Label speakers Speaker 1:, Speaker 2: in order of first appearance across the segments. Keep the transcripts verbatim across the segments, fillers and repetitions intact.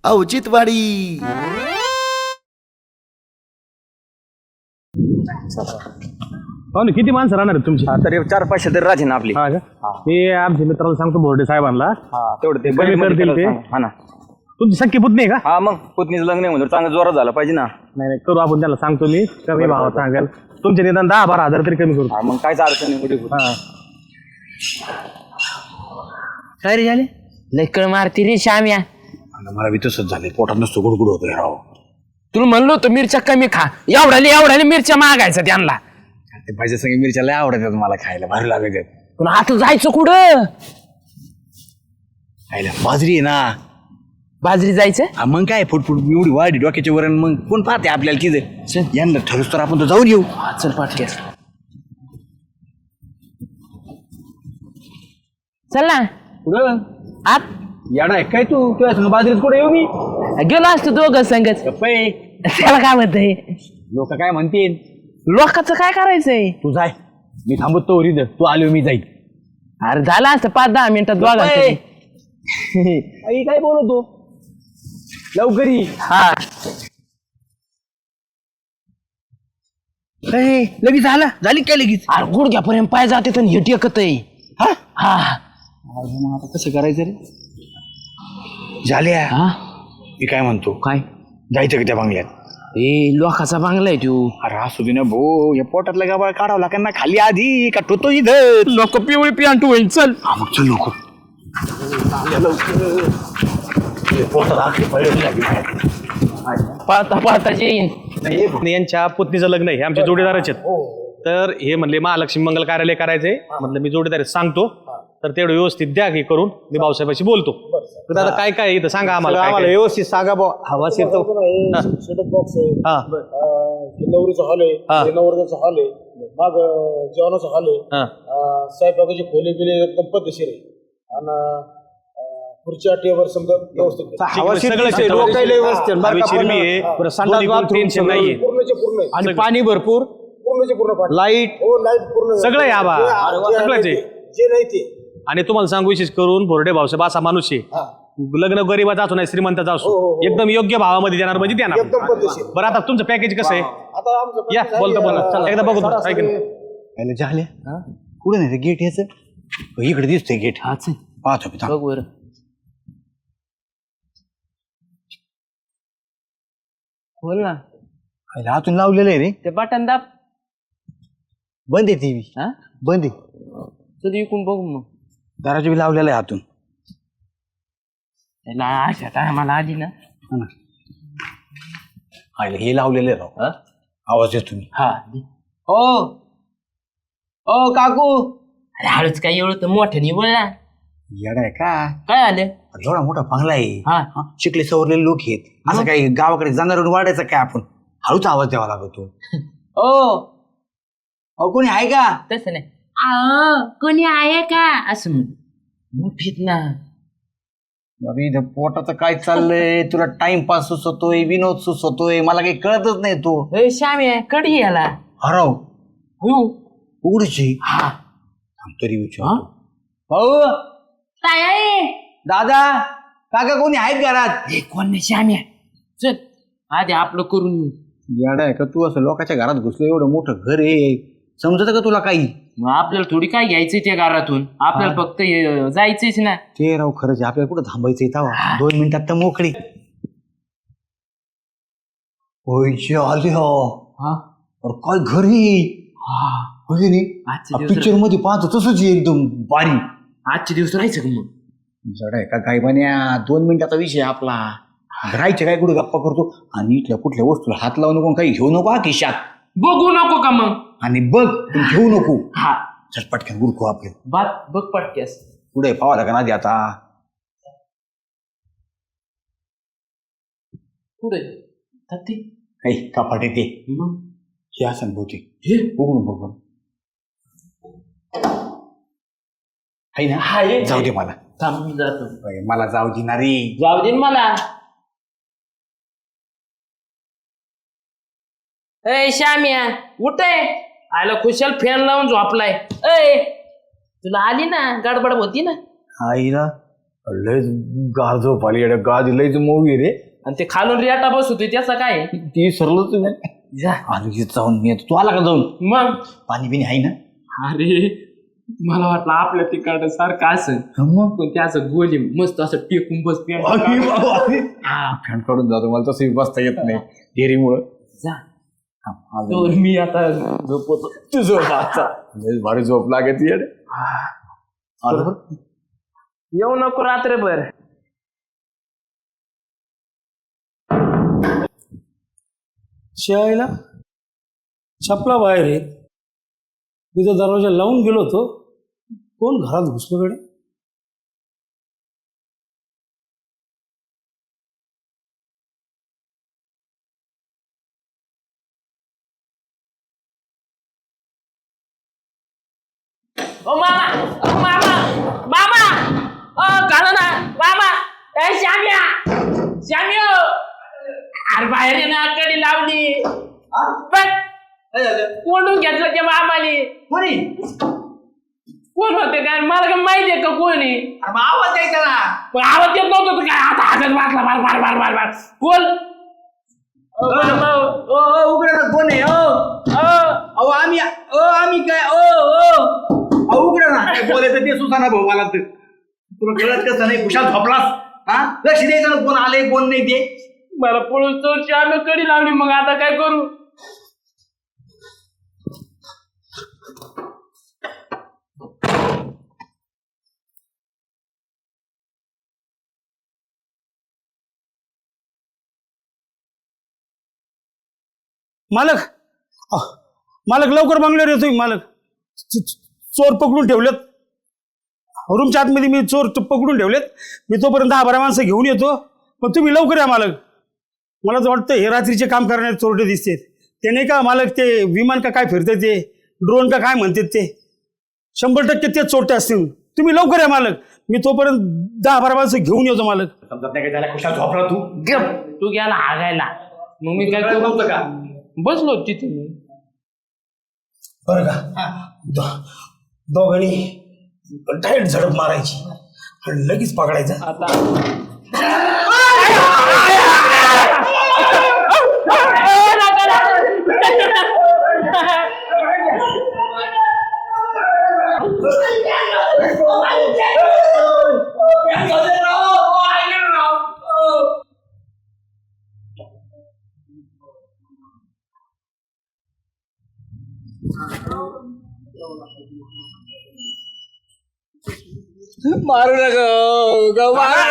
Speaker 1: औचित्यवाडी.
Speaker 2: पाहुणे किती माणसं राहणार आहेत तुमची?
Speaker 3: तरी चार पाचशे तरी राहते ना आपली.
Speaker 2: हा का? मी आमच्या मित्राला सांगतो बोर्डे साहेबांना
Speaker 3: तेवढं ते
Speaker 2: कमी करतील ते.
Speaker 3: हा ना.
Speaker 2: तुमची सख्खी पुतणी आहे का?
Speaker 3: हा मग पुतणीचं लग्न आहे म्हणून चांगलं जोरात झालं पाहिजे ना.
Speaker 2: नाही नाही करू आपण, त्याला सांगतो मी कमी भावात सांगाल. तुमचे निदान दहा बारा हजार तरी कमी करू.
Speaker 3: हा मग कायच अडचण नाही कुठे.
Speaker 2: हा
Speaker 4: काय रे झाले लयकड मारती रे श्याम्या.
Speaker 5: मला बी तसंच झाले, पोटात नसतो गुडगुड होतोय राव.
Speaker 4: तुला म्हणलो होतो मिरच्या कमी खा, एवढ्याले एवढ्याले मिरच्या मागायचं त्यांना.
Speaker 5: ते भाज्या संग मिरच्या लय आवडतात मला खायला, भारी लागत.
Speaker 4: पण आता जायचं कुठं?
Speaker 5: खायला बाजरी आहे ना.
Speaker 4: बाजरी जायचं?
Speaker 5: हा मग काय फुटफुट एवढी वाढी डोक्याचे वरण, मग कोण पाहते आपल्याला किती यांना ठरवस तर आपण तर जाऊन येऊ.
Speaker 4: चल पाटक्यास चल ना.
Speaker 5: कुठं
Speaker 4: आत
Speaker 5: याडा आहे काय तू? तुझ्या संग बाजरीत कुठे येऊ मी?
Speaker 4: गेलो असतो दोघं संगच.
Speaker 5: गप्पे.
Speaker 4: त्याला काय म्हणतंय?
Speaker 5: लोक काय म्हणतील?
Speaker 4: लोकांचं काय करायचंय?
Speaker 5: तू जाय, मी थांबतो इथं. तू आलो मी जाईल.
Speaker 4: अरे झालं असतं पाच दहा मिनिटात दोघांचं.
Speaker 5: आई काय बोलतो लवकर ये.
Speaker 4: हा
Speaker 5: लगेच झाला झाली काय लगेच?
Speaker 4: अरे गुडघ्यापर्यंत पाय जाते तर हेट एकत आहे.
Speaker 5: हा
Speaker 4: हा
Speaker 5: मग आता कसं करायचं रे? झाल्या.
Speaker 4: हा
Speaker 5: मी काय म्हणतो,
Speaker 4: काय
Speaker 5: जायचं का त्या बंगल्यात?
Speaker 4: ए लोकाचा बांगला आहे तू.
Speaker 5: अरे असू दे ना भो, या पोटातला गाबाळ काढावं लागेल ना खाली आधी का ठोतो इथं.
Speaker 4: लोक पिवळी पियांटू होईल. चल
Speaker 5: हा मग चल लोक.
Speaker 4: पाहता पाहता येईन.
Speaker 2: यांच्या पुतणीचं लग्न आहे, हे आमचे जोडीदारच आहेत. तर हे म्हणले महालक्ष्मी मंगल कार्यालय करायचंय. म्हटलं मी जोडीदार सांगतो, तर तेवढं व्यवस्थित द्या की करून. मी भाऊसाहेबांशी बोलतो. तर आता काय काय इथं सांगा आम्हाला.
Speaker 3: आम्हाला व्यवस्थित सांगा बा. हवा शिरतो.
Speaker 6: बॉक्स आहे,
Speaker 2: हा
Speaker 6: नवरीचा हॉल
Speaker 2: हा.
Speaker 6: आहे, नवरदेचा हॉल आहे, माग जेवणाचा हॉल आहे,
Speaker 2: हा
Speaker 6: स्वयंपाकाची खोली बिली एकदम पद्धतशीर आहे. आणि खुर्च्या टेबल समजा व्यवस्थित
Speaker 3: हवा शिरते, डोकायला व्यवस्थित. बरं का पण, बरं, संडास बाथरूम
Speaker 2: टेन्शन नाहीये.
Speaker 6: पूर्णचे पूर्ण आहे.
Speaker 3: आणि पाणी भरपूर,
Speaker 6: पूर्णचे पूर्ण पाणी.
Speaker 3: लाईट
Speaker 6: हो लाईट पूर्ण
Speaker 2: सगळं आहे आबा.
Speaker 6: जे
Speaker 2: सगळंच आहे.
Speaker 6: जे नाही ते.
Speaker 2: आणि तुम्हाला सांगू विशेष करून बोर्डे भाऊसाहेब असा माणूस आहे, लग्न गरीबाचा असो नाही श्रीमंताचा असो, एकदम योग्य भावामध्ये देणार म्हणजे देणार.
Speaker 6: एकदम पद्धतशीर.
Speaker 2: बरं आता तुमचं पॅकेज कसं आहे?
Speaker 6: आता आमचं
Speaker 2: या बोलतो बोला. चला एकदा बघू. ऐक ना.
Speaker 5: पहिलं झाल्या कुठं नाही गेट याच इकडे दिसतंय गेट.
Speaker 4: हाच
Speaker 5: पाहतो मी.
Speaker 4: बघ बर. बोल ना.
Speaker 5: पहिलं आतून लावलेलं आहे रे.
Speaker 4: ते बटन दाब.
Speaker 5: बंद आहे टीव्ही.
Speaker 4: हा
Speaker 5: बंद आहे.
Speaker 4: चल इकून बघू मग.
Speaker 5: दाराची बी लावलेलं आहे आतून.
Speaker 4: अशा टायमाला आली ना.
Speaker 5: पहिलं हे लावलेलं आहे राव. आवाज येतो तुम्ही.
Speaker 4: हा
Speaker 3: हो ओ काकू.
Speaker 4: अरे हळूच काय एवढं तर मोठ्याने बोल ना.
Speaker 5: येडा आहे का?
Speaker 4: काय आलं?
Speaker 5: एवढा मोठा बंगला आहे.
Speaker 4: हा
Speaker 5: हा, शिकले सवरलेले लोक आहेत. असं काही गावाकडे जाणार वाढायचं काय आपण? हळूच आवाज द्यावा लागतो.
Speaker 3: ओ अहो कोणी आहे का?
Speaker 4: तसं नाही. आ कोणी आहे का असं म्हण. मोठीत ना.
Speaker 5: अरे इथं पोटाचं काय चाललंय? तुला टाइमपास सुचवतोय, विनोद सुचवतोय, मला काही कळतच नाही. तो
Speaker 4: ए श्यामी आहे कडी याला.
Speaker 5: हराव
Speaker 4: हो
Speaker 5: उघडची.
Speaker 4: हा
Speaker 5: तरी विचार
Speaker 3: भाऊ
Speaker 4: काय आहे?
Speaker 3: दादा काका कोणी आहेत घरात?
Speaker 4: हे कोण नाही श्यामी आहे. चल आधी आपलं करून येऊ.
Speaker 5: येडा आहे का तू? असं लोकांच्या घरात घुसलो, एवढं मोठं घर आहे, समजत का तुला काही?
Speaker 4: मग आपल्याला थोडी काय घ्यायचंय त्या घरातून, आपल्याला फक्त हे जायचंच ना.
Speaker 5: ते राव खरंच आहे. आपल्याला कुठं थांबायचंय तवा? दोन मिनिटात तर मोकळी. होयचे आले हो. अरे काय घरी पिक्चर मध्ये पाहतो तसंच आहे, एकदम बारी.
Speaker 4: आजचे दिवस राहायचं का मग?
Speaker 5: जड आहे का काय बन्या? दोन मिनिटाचा विषय आपला. राहायचे काय कुठे गप्पा करतो आणि इथल्या कुठल्या वस्तूला हात लावू नको, काही घेऊ नको हा खिशात.
Speaker 4: बघू नको का मग?
Speaker 5: आणि बघ पण घेऊ नको.
Speaker 4: हा
Speaker 5: चल पटकन गुरखू आपले.
Speaker 4: बात बघ पटक्यास.
Speaker 5: पुढे पावा लागा आधी आता.
Speaker 4: पुढे ते
Speaker 5: काही कपाट येते
Speaker 4: मग
Speaker 5: हे असं बहुतेक.
Speaker 4: हे
Speaker 5: उघडून बघ. आहे ना?
Speaker 4: हा ये.
Speaker 5: जाऊ दे मला.
Speaker 4: थांब मी जातो.
Speaker 5: अरे, मला जाऊ दे ना रे.
Speaker 4: जाऊ दे ना मला. ए श्यामिया उठ आहे. आयला खुशाल फॅन लावून झोपलाय. ए तुला आली ना गडबड होती ना.
Speaker 5: आईला
Speaker 3: लयच गार झोप आली येड्या, गाज लयच मोगी रे.
Speaker 1: आणि ते खालून रेटा बसवतोय त्याचं काय
Speaker 3: ती सरलच आधी जाऊन मी येतो. तू आला का जाऊन?
Speaker 1: मग
Speaker 5: पाणी बिणी आहे ना?
Speaker 1: अरे मला वाटलं आपल्या तिकडं सारखं असं पण ते असं गोली मस्त असं टेकून बस
Speaker 3: फॅन काढून जातो, मला तसं बसता येत नाही डेअरीमुळं.
Speaker 1: तर मी आता झोपतो तू झोप आता.
Speaker 3: लयच भारी झोप लागत येड.
Speaker 1: येऊ नको रात्रभर.
Speaker 7: शाळेला छपला बाहेर आहे. तिथं दरवाजा लावून गेलो होतो, कोण घरात घुसलो कडे.
Speaker 1: ओ मामा ओ मामा मामा ओ काढा ना मामा ए श्याम्या श्याम्या अरे बाहेर ये ना कडी लावली पण कोंडून घेतलं त्या मामाने.
Speaker 5: कोणी?
Speaker 1: कोण होते काय मला काय माहिती आहे का कोणी?
Speaker 5: आवाज द्यायचा ना.
Speaker 1: पण आवाज येत नव्हतं तर काय आता हातात वाचला बार बार बार बार बार कोण?
Speaker 5: उघड ना, कोण आहे? अहो आम्ही ओ आम्ही काय ओ उघड ना. काय बोलायचं ते सुसाना भाऊ मला. तर तुला कळत कसं नाही? कुशाल झोपलास? हा, लक्ष द्यायचं ना, कोण आले कोण नाही ते.
Speaker 1: मला पळून चोर श्याम्या कडी लावली. मग आता काय करू?
Speaker 7: मालक अह, मालक लवकर बंगल्यावर येतोय. मालक च- च- चोर पकडून ठेवलेत रूमच्या आतमध्ये. मी चोर ट- पकडून ठेवलेत. मी तोपर्यंत दहा बारा माणसं घेऊन येतो, पण तुम्ही लवकर या मालक. मला तर वाटतं हे रात्रीचे काम करणारे चोरटे दिसतात. ते नाही का मालक, ते विमान का काय फिरते, ते ड्रोन का काय म्हणतात, ते शंभर टक्के तेच चोरटे असतील. तुम्ही लवकर या मालक. मी तोपर्यंत दहा बारा माणसं घेऊन येतो मालक.
Speaker 5: समजत नाही काय झालं? कुशाल झोपला तू?
Speaker 1: तू गेला हागायला. मग मी काय करू?
Speaker 5: का
Speaker 1: बसलो तिथे मी.
Speaker 7: बरं का, दो- दोघांनी डायरेक्ट झडप मारायची आणि लगेच पकडायचं.
Speaker 1: आता
Speaker 3: मारू नका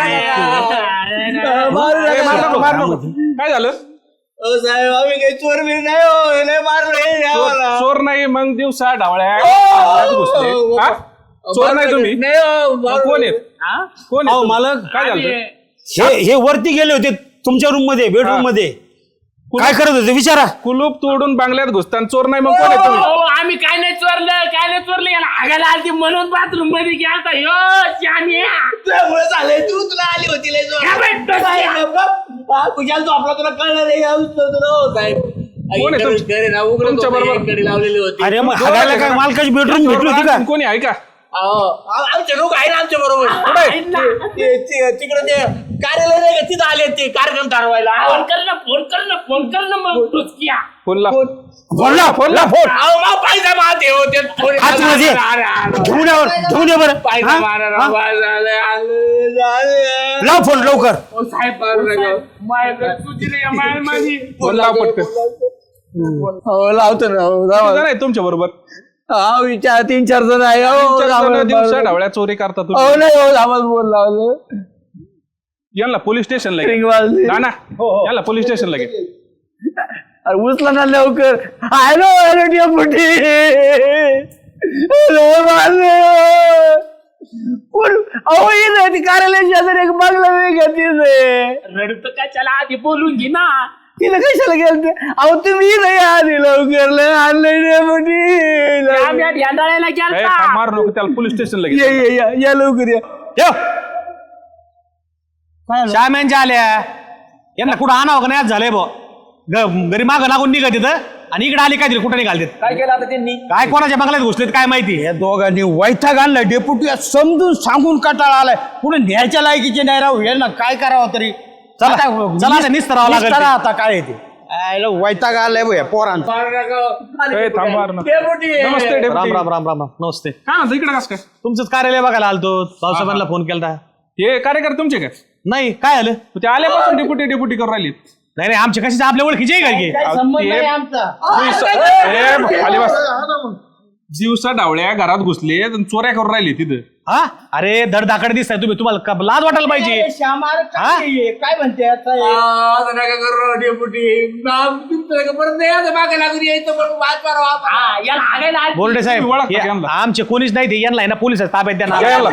Speaker 3: मारू नका.
Speaker 2: काय झालं?
Speaker 3: साहेब आम्ही काही चोर बी नाही हो, नाही मारलं.
Speaker 2: चोर नाही मग दिवसा ढावळ्या घुसले. हा? चोर नाही तुम्ही? मग कोण आहेत? कोण
Speaker 7: अहो
Speaker 2: आहेत?
Speaker 7: मालक,
Speaker 2: काय झालं?
Speaker 7: हे हे वरती गेले होते तुमच्या रूम मध्ये, बेडरूम मध्ये. काय करत होते विचारा.
Speaker 2: कुलूप तोडून बांगल्यात घुसताना चोर नाही मग कोण आहे तुम्ही?
Speaker 1: हो, आम्ही काय नाही चोरलं काय नाही चोरलं. याला हागायला आलती म्हणून बाथरूम मध्ये गेलता. यो श्याम्या
Speaker 3: त्यामुळे झालंय. तू तुला आली होती लय जोर.
Speaker 1: काय भेटतं त्या?
Speaker 3: कुशाल झोपला, तुला कळलं नाही का? तुला हो साहेब.
Speaker 2: कोण आहे तुमच्या-
Speaker 3: घरी ना उघडं
Speaker 2: तुमच्या
Speaker 3: होतं,
Speaker 2: बरोबर?
Speaker 3: कडी लावलेली होती.
Speaker 7: अरे मग हागायला काय मालकाची बेडरूम भेटली होती का?
Speaker 2: कोणी आहे का?
Speaker 3: अहो, आमचे लोक आहे ना आमच्या बरोबर. तिकडे ते कार्यालय नाही का, तिथं आले ते कार्यक्रम ठरवायला.
Speaker 1: फोन कर ना फोन कर ना फोन कर ना मग टुचक्या.
Speaker 2: फोन ला
Speaker 7: फोन ला फोन ला फोन
Speaker 3: अहो, मग पैसा मारते हो ते थोडे.
Speaker 7: आतमध्ये घेऊन या बरं, घेऊन या बरं.
Speaker 3: पैसा
Speaker 7: हा?
Speaker 3: मारा
Speaker 7: हा? लाव फोन लवकर.
Speaker 1: ओ साहेब माझ्याकडे सुचले या माय माझी.
Speaker 2: फोन लाव पटकन.
Speaker 3: हो लावतो ना. हो, लावा.
Speaker 2: किती जण आहे तुमच्या बरोबर?
Speaker 3: हा विचार तीन चार जण आहे. हो, आम्हाला
Speaker 2: दिवसा
Speaker 3: बोल-
Speaker 2: ढावळ्या चोरी करता
Speaker 3: हो
Speaker 2: तुम्ही.
Speaker 3: नाही हो, आम्हाला बोल लावलं.
Speaker 2: यांना पोलीस स्टेशनला घे.
Speaker 3: रिंग वाजली.
Speaker 2: ना ना याला पोलीस स्टेशनला घे.
Speaker 3: अरे उचला ना लवकर. Hello hello deputy. हॅलो माझे अहो इथं ती कार्यालय शेजारी एक बंगला वेगळा तिथे.
Speaker 1: रडतं का चला आधी बोलून घे ना.
Speaker 3: तिथं कशाला गेलते? अहो तुम्ही इथं या आधी लवकर. लय आणलंय डेपुटी.
Speaker 1: आम्ही ध्यानाळ्याला
Speaker 2: ए,
Speaker 1: गेलता.
Speaker 2: थांब, मारू नको त्याला पोलीस स्टेशनला
Speaker 3: या
Speaker 2: घे.
Speaker 3: या या या लवकर या.
Speaker 7: श्याम्यांच्या आल्या यांना कुठं आणावं का नाही आज झालंय भाऊ.
Speaker 2: ग- घरी मागं लागून निघत तिथं आणि इकडे आले काय दिलं कुठं निघालते
Speaker 3: काय केलं आता त्यांनी
Speaker 2: काय कोणाच्या बंगल्यात घुसलेत काय माहिती
Speaker 7: या दोघांनी वैताग आणलाय डेप्युटी समजून सांगून कटाळा आलाय पुढे न्यायच्या लायकीचे नाही राहू यांना काय करावं तरी
Speaker 2: चला,
Speaker 7: आता
Speaker 2: चला आता निस्तरावं लागेल
Speaker 7: निस्तरा
Speaker 2: ते.
Speaker 7: आता काय आहे ते आयला वैताग आलाय भया पोरांचा
Speaker 6: नमस्ते
Speaker 2: राम राम राम राम राम नमस्ते
Speaker 6: काय म्हणतो इकडे कसं काय
Speaker 2: तुमचंच कार्यालय बघायला आलतो भाऊसाहेबांना फोन केला
Speaker 6: हे कार्यकर्ते तुमचे काय
Speaker 2: नाही काय आलं
Speaker 6: ते आल्यापासून डेप्युटी डेप्युटी करून राहिलेत
Speaker 2: नाही नाही आमचे कशी आपल्या ओळखीचे आहे काय की?
Speaker 6: ए, खाली बस जीवसा डावळ्या घरात घुसले आणि चोऱ्या करून राहिले तिथं
Speaker 2: हा अरे धडधाकड दिसताय तुम्ही तुम्हाला क- लाज वाटायला पाहिजे हा?
Speaker 7: काय म्हणते आता हे?
Speaker 3: आता नका करू डेपुटी परत नाही आता मागे लागून यायचं पण वाद
Speaker 1: हा, याला हागायला आली.
Speaker 2: बोर्डे साहेब
Speaker 6: तुम्ही ओळखता
Speaker 2: हे
Speaker 6: का यांना?
Speaker 2: आमचे कोणीच नाही ते यांना आहे ना पोलिस ताब्यात द्या ना.
Speaker 6: यायला.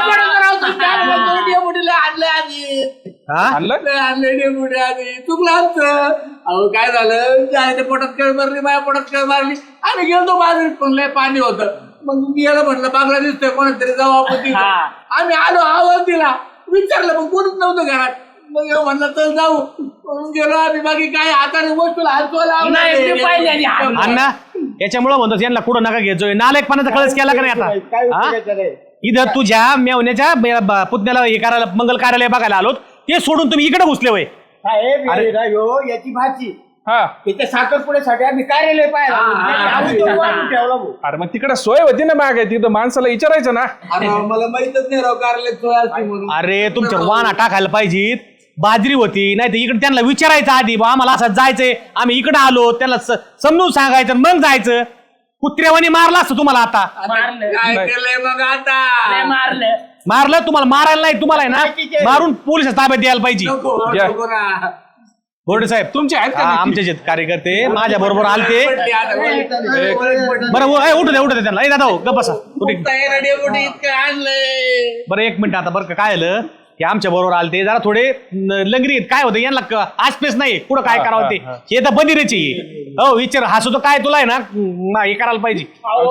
Speaker 3: डेपुटीला आणलं आधी
Speaker 2: हा?
Speaker 6: आणलं
Speaker 3: आणलं डेपुटी आधी चुकलं आमचं अहो काय झालं जायचं पोटात कळ मारली माझ्या पोटात कळ मारली आणि गेलो बाजूला पण लय पाणी होतं मग मी याला म्हटलं बांगला दिसतोय कोणाच तरी जाऊ आपण तिथं. आम्ही आलो आवाज दिला विचारलं पण कोणीच नव्हतं घरात मग ह्यो म्हणलं चल जाऊ म्हणून गेलो आम्ही बाकी काय हाताने वस्तूला हात
Speaker 1: नाही, मी पाहिल्याने हात.
Speaker 2: अण्णा याच्यामुळे म्हणतो यांना कुठं नका घ्यायचोय नालायकपणाचा कळस केला का नाही
Speaker 7: काय
Speaker 2: आता हा?
Speaker 7: उपयोगाचं नाही.
Speaker 2: इथं तुझ्या मेवण्याच्या ब- ब- पुतण्याला हे करायला मंगल कार्यालय बघायला आलोत ते सोडून तुम्ही इकडे घुसले होय
Speaker 7: साहेब, हे ना ह्यो याची भाची
Speaker 6: हा
Speaker 7: त्याच्या साखरपुड्यासाठी आम्ही कार्यालय पाहिला आम्ही तो वाढून ठेवला भाऊ.
Speaker 6: अरे मग तिकडे सोय होती ना मागे तिथं माणसाला विचारायचं ना
Speaker 3: अरे मला माहितच नाही राव कारले सोय असते म्हणून
Speaker 2: अरे तुमच्या वाना टाकायला पाहिजेत बाजरी होती नाही तर इकडे त्यांना विचारायचं आधी बा आम्हाला असं जायचंय आम्ही इकडे आलो त्यांना स- समजून सांगायचं आणि मग जायचं कुत्र्यावानी मारला असतं तुम्हाला आता
Speaker 1: मारलं
Speaker 3: काय केलंय मग
Speaker 1: लय
Speaker 3: आता
Speaker 1: मारलं
Speaker 2: मारलं तुम्हाला मारायला नाही तुम्हाला आहे ना मारून पोलिस ताब्यात द्यायला पाहिजे
Speaker 3: नको
Speaker 6: या.
Speaker 3: नको ना
Speaker 2: बोर्डे साहेब
Speaker 6: तुमचे आहेत का
Speaker 2: हा,
Speaker 6: नक्की?
Speaker 2: आमचे जे कार्यकर्ते माझ्या बरोबर आलते
Speaker 3: पडली आता, वळी पडली, वळी पडली.
Speaker 2: बरं उ- ए, उठू द्या उठू द्या त्यांना ए दादा हो, गप्प बसा कुठे
Speaker 3: तयार डेपुटी इतकं आणलंय
Speaker 2: बरं एक मिनिट आता बरं का काय झालं की आमच्या बरोबर आलते जरा थोडे न- लंगरी आहेत. काय होतं यांना क- आसपेस नाही कुठं काय करावं ते हे तर बदिरेची हो विचार हा सुद्धा काय तुला आहे ना म- हे करायला पाहिजे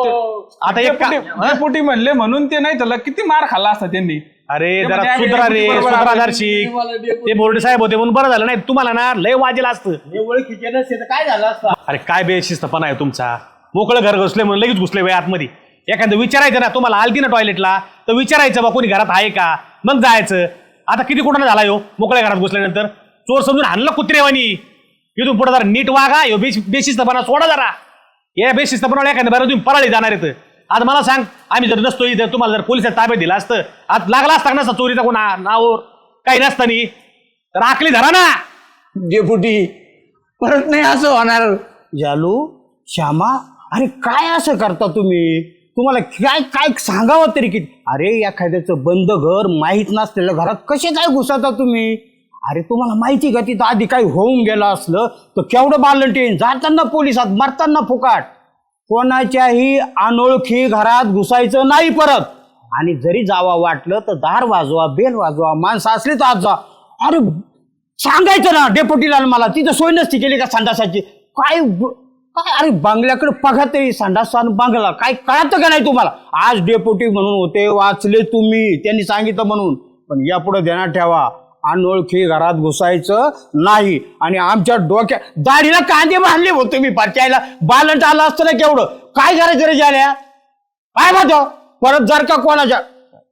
Speaker 2: आता एक का-
Speaker 6: डेप्युटी
Speaker 2: हा?
Speaker 6: डेप्युटी म्हणले म्हणून ते नाही तर किती मार खाल्ला असता त्यांनी
Speaker 2: अरे
Speaker 6: ते
Speaker 2: जरा
Speaker 6: म्हणजे आम्ही
Speaker 2: सुधरा रे
Speaker 6: डेप्युटी बरोबर
Speaker 2: सुधरा
Speaker 6: आलो.
Speaker 2: दर्शिक ते बोर्डे साहेब होते म्हणून बरं झालं नाही तुम्हाला ना लय वाजेला असतं
Speaker 7: हे ओळखीचे नसते तर काय झालं असतं
Speaker 2: अरे काय बेशिस्तपणा आहे तुमचा मोकळं घर घुसले म्हणून लगेच घुसले वय आतमध्ये एखादं विचारायचं ना तुम्हाला आलती ना टॉयलेटला तर विचारायचं बा कोणी घरात आहे का मग जायचं आता किती कुठं झाला यो मोकळ्या घरात घुसल्यानंतर चोर समजून हाणलं कुत्रेवानी इथून पुढे जरा नीट वागा यो बेश बेशिस्तपणा सोडा जरा या बेशिस्तपणाला एखाद्या बरं तुम्ही पराळी जाणार आहेत आता मला सांग आम्ही जर नसतो इथं तुम्हाला जर पोलिसात ताब्यात दिला असतं आज लागला असता नसता चोरीचा कोणा नावावर काही नसतानी तर आखली धरा ना
Speaker 3: डेपुटी परत नाही असं होणार
Speaker 7: जालू श्यामा अरे काय असं करता तुम्ही तुम्हाला काय काय सांगावं तरी किती अरे एखाद्याचं बंद घर माहीत नसलेल्या घरात कसे काय घुसता तुम्ही अरे तुम्हाला माहिती का तिथं आधी काही होऊन गेलं असलं तर केवढं बालंटीन जाताना पोलिसात मरताना फुकाट कोणाच्याही अनोळखी घरात घुसायचं नाही परत आणि जरी जावा वाटलं तर दार वाजवा बेल वाजवा माणसं असली तर आज जा अरे सांगायचं ना डेप्युटीला मला तिथं सोय नसती केली का संडासाची काय ब- काय अरे बांगल्याकडे बघा तरी संडास आणि बांगला काय कळतं का नाही तुम्हाला आज डेप्युटी म्हणून होते वाचले तुम्ही त्यांनी सांगितलं म्हणून पण यापुढे ध्यानात ठेवा अनोळखी घरात घुसायचं नाही आणि आमच्या डोक्या दाढीला कांदे बांधले हो तुम्ही परचायला बालंट आलं असतं ना केवढं काय करायचं रे झाल्या काय म्हणतो परत जर का कोणाच्या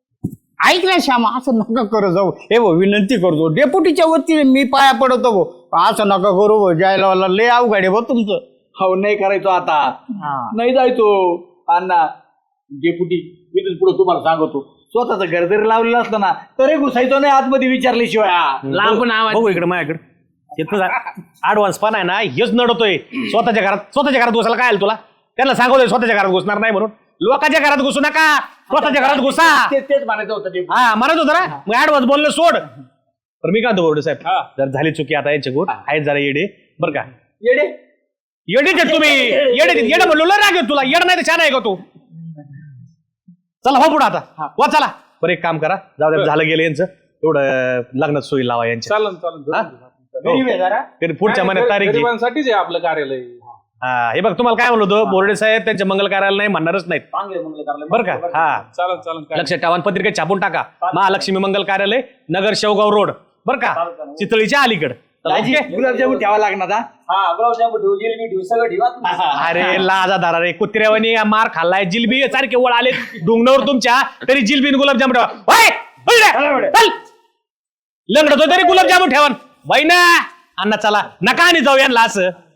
Speaker 7: ऐक ना श्यामा असं नका करू जाऊ हे भाऊ विनंती करतो डेप्युटीच्या वतीने मी पाया पडतो भाऊ असं नका करू भाऊ जायला वाला लय अवघड आहे भाऊ तुमचं
Speaker 5: हो नाही करायचो आता नाही जायचो अण्णा डेपुटी मी पुढे तुम्हाला सांगतो स्वतःच घर जरी लावलेलं असलं ना तरी घुसायचो नाही आतमध्ये विचारल्याशिवाय
Speaker 1: लांबून आवाज
Speaker 2: बघू इकडे माझ्याकडे ऍडव्हान्स पण आहे ना हेच नडतोय स्वतःच्या घरात स्वतःच्या घरात घुसायला काय आलं तुला त्यांना सांगतोय स्वतःच्या घरात घुसणार नाही म्हणून लोकांच्या घरात घुसू नका स्वतःच्या घरात घुसा
Speaker 5: ते- तेच म्हणायचं होतं डेपुटी.
Speaker 2: हा म्हणत होतं ना मग ऍडव्हान्स बोललं सोड तर मी काय म्हणतो बोर्डे साहेब जर झाली चुकी आता यांच्या गोट आहेत जरा येडे बरं का
Speaker 5: येडे
Speaker 2: येडे तुम्ही येडे येडे म्हणलो लय राग येतो तुला येड नाही तर छान आहे का तू चला हो पुढे आता वा चला बरं एक काम करा जाऊ द्या झालं गेलं यांचं एवढं लग्नात सोयी लावा यांच्या
Speaker 6: चालन चालन
Speaker 2: हा?
Speaker 7: गरीब आहे जरा
Speaker 2: तरी पुढच्या महिन्यात तारीख आहे.
Speaker 6: गरिबांसाठीच आहे आपलं कार्यालय
Speaker 2: हा हे बघ तुम्हाला काय म्हणलो होतो बोर्डे साहेब त्यांच्या मंगल कार्यालय नाही म्हणणारच नाहीत
Speaker 5: चांगले मंगल कार्यालय.
Speaker 2: बरं का हा
Speaker 6: चालन चालन काय
Speaker 2: लक्षात ठेवा आणि पत्रिकेत छापून टाका महालक्ष्मी मंगल कार्यालय नगर शेवगाव रोड बरं का चितळीच्या अलीकड
Speaker 5: दाजी
Speaker 2: ओके?
Speaker 5: गुलाबजामुन ठेवा लागणार हा?
Speaker 3: हा गुलाबजामुन ठेवू जिलेबी ठेवू सगळं ठेवा
Speaker 2: अरे लाजा दारा रे कुत्र्यावानी मार खाल्लाय जिलबी सारखे वळ आले डोंगणावर तुमच्या तरी जिलबी आणि गुलाबजामुन ठेवा होय? होय रे? चल लंगडतो तरी गुलाबजामुन ठेवा बाई ना अण्णा चला नका आणि जाऊ यांना असं